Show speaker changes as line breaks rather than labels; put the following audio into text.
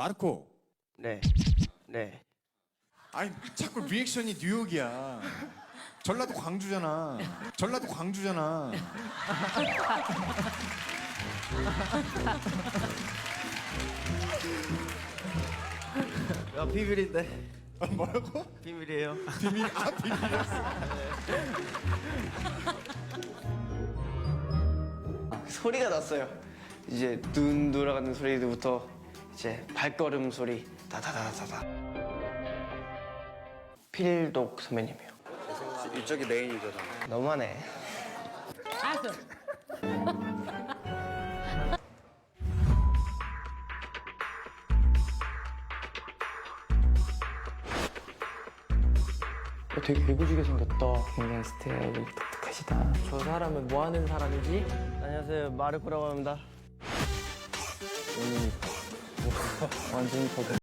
마르코.
네. 네.
아니 자꾸 리액션이 뉴욕이야. 전라도 광주잖아. 전라도 광주잖아.
야, 비밀인데.
뭐라고?
비밀이에요.
비밀이었어.
소리가 났어요. 이제 눈 돌아가는 소리부터 이제 발걸음 소리 다다다다다. 필독 선배님이요.
이쪽이 메인이잖아.
너무하네.
알았어.
되게 개구지게 생겼다. 굉장히 스타일이 독특하시다. 저 사람은 뭐 하는 사람이지?
안녕하세요, 마르코라고 합니다.
완전히 더